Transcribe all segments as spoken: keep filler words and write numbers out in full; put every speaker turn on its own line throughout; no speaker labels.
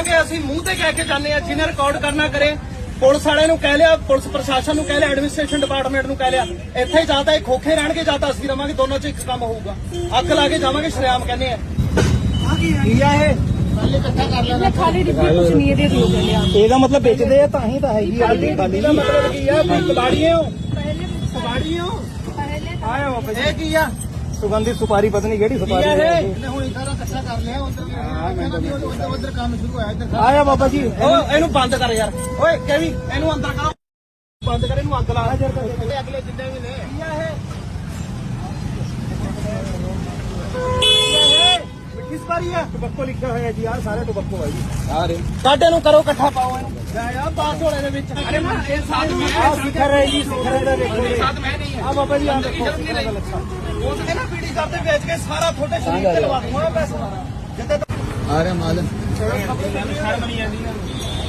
ਕਹਾਂਗੇ ਅਸੀਂ ਮੂੰਹ ਤੇ ਕਹਿ ਕੇ ਜਾਂਦੇ ਆ, ਜਿਹਨੇ ਰਿਕਾਰਡ ਕਰਨਾ ਕਰੇ। ਪੁਲਿਸ ਵਾਲਿਆਂ ਨੂੰ ਕਹਿ ਲਿਆ, ਪੁਲਿਸ ਪ੍ਰਸ਼ਾਸਨ ਨੂੰ ਕਹਿ ਲਿਆ, ਐਡਮਿਨਿਸਟ੍ਰੇਸ਼ਨ ਡਿਪਾਰਟਮੈਂਟ ਨੂੰ ਕਹਿ ਲਿਆ। ਇੱਥੇ ਹੀ ਜਾਂ ਤਾਂ ਇਹ ਖੋਖੇ ਰਹਿਣਗੇ ਜਾਂ ਤਾਂ ਅਸੀਂ ਰਵਾਂਗੇ, ਦੋਨੋਂ ਚ ਇੱਕ ਕੰਮ ਹੋਊਗਾ। ਅੱਗ ਲਾ ਕੇ ਜਾਵਾਂਗੇ, ਸ਼ਰੇਆਮ ਕਹਿੰਦੇ ਆ। ਕੀ ਆ ਇਹ ਇਕੱਠਾ ਕਰ ਲੈਣਾ ਖਾਲੀ ਡਿੱਬੀ ਕੁਝ ਨਹੀਂ ਇਹਦੇ ਦੋ ਇਹਦਾ ਮਤਲਬ ਵੇਚਦੇ ਆ ਤਾਂ ਹੀ ਤਾਂ ਹੈਗੀ ਆ। ਖਾਲੀ ਦਾ ਮਤਲਬ ਕੀ ਆ? ਕਬਾੜੀਏ ਹੋ, ਕਬਾੜੀਏ ਹੋ। ਆਇਆ ਵਾਪਸ ਇਹ ਕੀ ਆ? ਸੁਗੰਧਿਤ ਸੁਪਾਰੀ ਪਤਾ ਨਹੀਂ ਕਿਹੜੀ ਸੁਪਾਰੀ ਹੈ। ਹੁਣ ਸਾਰਾ ਇਕੱਠਾ ਕਰ ਲਿਆ, ਉਧਰ ਉਧਰ ਕੰਮ ਸ਼ੁਰੂ ਹੋਇਆ। ਇੱਧਰ ਆਇਆ ਬਾਬਾ ਜੀ। ਓ ਇਹਨੂੰ ਬੰਦ ਕਰ ਯਾਰ। ਓਏ ਕੈਵੀ ਇਹਨੂੰ ਅੰਦਰ ਕਰੋ, ਬੰਦ ਕਰ ਇਹਨੂੰ। ਅੱਗ ਲਾ ਅਗਲੇ ਜਿੰਨੇ ਵੀ ਨੇ। ਕੀ ਆ ਇਹ? ਮਿੱਠੀ ਸੁਪਾਰੀ ਆ। ਟਬੱਕੋ ਲਿਖਿਆ ਹੋਇਆ ਜੀ ਯਾਰ, ਸਾਰੇ ਟਬੱਕੋ ਹੈ ਜੀ ਸਾਰੇ। ਸਾਡੇ ਨੂੰ ਕਰੋ ਇਕੱਠਾ, ਪਾਓ ਇਹਨੂੰ। ਜਾ ਪਾਸ ਹੋਲੇ ਦੇ ਵਿੱਚ। ਅਰੇ ਮੈਂ ਇਹ ਸਾਥ ਮੈਂ ਆ ਸਿਖਰ ਹੈ ਜੀ, ਸਿਖਰ ਇਹਦਾ ਦੇਖੋ ਜੀ। ਸਾਥ ਮੈਂ ਨਹੀਂ ਹੈ ਆ ਬਾਬਾ ਜੀ। ਆ ਦੇਖੋ ਉਹ ਤੇ ਨਾ ਪੀੜੀ ਕਰਦੇ ਵੇਚ ਕੇ ਸਾਰਾ ਤੁਹਾਡੇ ਸ਼ਰੀਰ ਤੇ ਲਵਾ ਦੂੰਗਾ ਪੈਸਾ ਸਾਰਾ ਜਿੱਤੇ ਆ ਰਿਹਾ ਮਾਲ। ਸ਼ਰਮ ਨਹੀਂ ਆਉਂਦੀ ਨਾ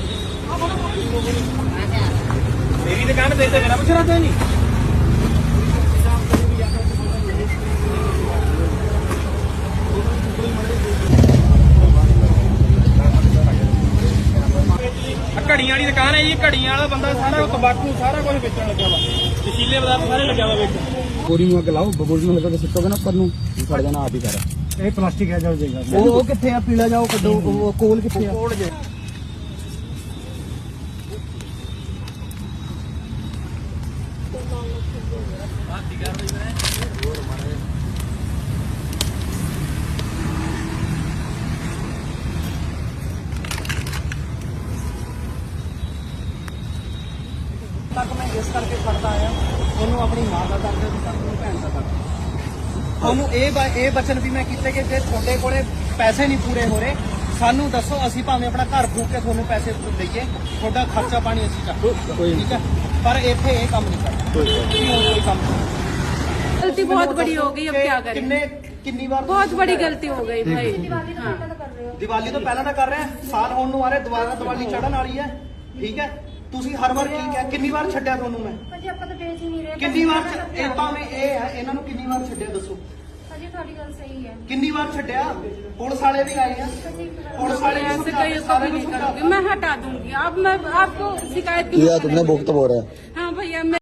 ਮੇਰੀ ਦੁਕਾਨ ਤੇ ਤੇ ਨਾ ਪੁੱਛਣਾ ਤੇ ਨਹੀਂ। ਘੜੀਆਂ ਵਾਲੀ ਦੁਕਾਨ ਹੈ ਜੀ। ਘੜੀਆਂ ਵਾਲਾ ਬੰਦਾ ਸਾਰਾ ਤੰਬਾਕੂ ਸਾਰਾ ਕੁਝ ਵੇਚਣ ਲੱਗਾ ਵਾ, ਨਸ਼ੀਲੇ ਪਦਾਰਥ ਸਾਰੇ ਲੱਗਿਆ ਵਾ ਵਿੱਚ। ਪੂਰੀ ਨੂੰ ਅੱਗ ਲਾਓ, ਬਬੂਲ ਨੂੰ ਲਗਾ ਕੇ ਸੁੱਟੋਗੇ ਨਾ ਉੱਪਰ ਨੂੰ, ਫੜ ਜਾਣਾ ਆਪ ਹੀ ਸਾਰਾ। ਇਹ ਪਲਾਸਟਿਕ ਹੈ ਜਾ ਜਾਏਗਾ। ਉਹ ਉਹ ਕਿੱਥੇ ਆ? ਪੀਲਾ ਜਾਓ ਕੱਢੋ। ਉਹ ਕੋਲ ਕਿੱਥੇ ਆ? ਕੋਲ ਜੇ ਤੱਕ ਮੈਂ ਇਸ ਕਰਕੇ ਫੜਦਾ ਆਇਆ। ਉਹਨੂੰ ਆਪਣੀ ਮਾਂ ਦਾ ਦਰਦ ਹੈ, ਆਪਣੀ ਭੈਣ ਦਾ ਦਰਦ ਹੈ। ਉਹਨੂੰ ਇਹ ਇਹ ਬਚਨ ਵੀ ਮੈਂ ਕੀਤੇ ਕਿ ਜੇ ਤੁਹਾਡੇ ਕੋਲੇ ਪੈਸੇ ਨਹੀਂ ਪੂਰੇ ਹੋ ਰਹੇ, ਸਾਨੂੰ ਦੱਸੋ, ਅਸੀਂ ਭਾਵੇਂ ਆਪਣਾ ਘਰ ਫੂਕ ਕੇ ਤੁਹਾਨੂੰ ਪੈਸੇ ਦਈਏ, ਤੁਹਾਡਾ ਖਰਚਾ ਪਾਣੀ ਅਸੀਂ ਚੱਕੋ, ਠੀਕ ਹੈ। ਪਰ ਇੱਥੇ ਇਹ ਕੰਮ ਨਹੀਂ ਕਰਨਾ, ਕੋਈ ਕੰਮ ਨਹੀਂ।
गलती बहुत बड़ी हो गई, अब क्या करें?
किन्ने किन्नी बार
बहुत बड़ी गलती हो गई भाई।
ਦੀਵਾਲੀ ਤੋਂ ਪਹਿਲਾਂ ਤਾਂ ਕਰ ਰਹੇ ਆ, ਸਾਲ ਹੋਣ ਨੂੰ ਆ ਰਿਹਾ, ਦੁਬਾਰਾ ਦੀਵਾਲੀ ਚੜ੍ਹਨ ਵਾਲੀ ਹੈ, ਠੀਕ ਹੈ। ਤੁਸੀਂ ਹਰ ਵਾਰ ਕੀ ਕਿਹਾ? ਕਿੰਨੀ ਵਾਰ ਛੱਡਿਆ ਤੁਹਾਨੂੰ ਮੈਂ?
ਭਾਜੀ ਆਪਾਂ ਤਾਂ ਵੇਚ ਹੀ ਨਹੀਂ ਰਹੇ।
ਕਿੰਨੀ ਵਾਰ ਇਹ ਭਾਵੇਂ ਇਹ ਹੈ, ਇਹਨਾਂ ਨੂੰ ਕਿੰਨੀ ਵਾਰ ਛੱਡਿਆ ਦੱਸੋ?
ਭਾਜੀ ਤੁਹਾਡੀ ਗੱਲ ਸਹੀ ਹੈ।
ਕਿੰਨੀ ਵਾਰ ਛੱਡਿਆ? ਪੁਲਿਸ ਵਾਲੇ ਵੀ ਆਏ ਆ, पुलिस वाले
ऐसे कहीं कभी नहीं करूँगी, मैं हटा दूंगी। अब मैं आपको शिकायत
किया तुमने, भुगत हो रहा है।
हाँ भैया।